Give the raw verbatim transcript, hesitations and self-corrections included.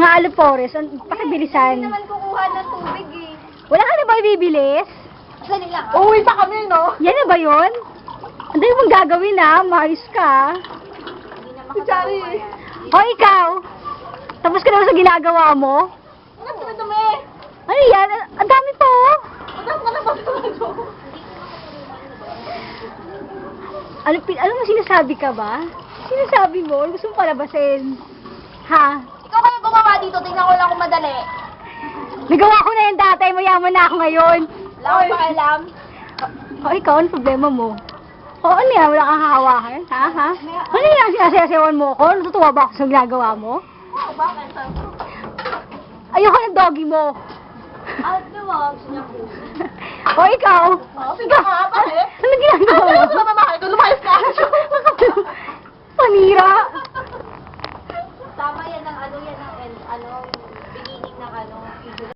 Mga alupores, an- pakibilisan. Hindi naman kukuha ng tubig eh. Wala ka na ba ibibilis? Sali lang ah. Uuwi pa kami, no? Yan na ba yun? Ang dami mong gagawin na, maayos ka. Hindi na Si Chari. makatawa yan. O ikaw, tapos ka naman sa ginagawa mo? Ano dumi-dumi? Ano yan? Ang- Ang dami pa oh. Madam ka na ba ito? Ano, pin- ano mo sinasabi ka ba? Sinasabi mo? Gusto mo palabasin? Ha? Ikaw kayo gumawa dito, tingnan ko lang kung madali. Nagawa ko na yan dati, mayaman na ako ngayon. Wala akong pakialam. O ikaw, ano problema mo? O ano yan? Wala kang hahawakan? Ha? Ha? Ano yan? Sinasayawan mo ko? Natutuwa ba ako sa ginagawa mo? Oo, bakit? Ayoko ng doggy mo. Ah, diba? Gusto niya po. O ikaw? Oh, sige ka, bakit? Ano ginagawa mo? Ano ba bakit? Lumayas ka. Panira. Tama yan ng ano, yan ng ano, beginning ng ano,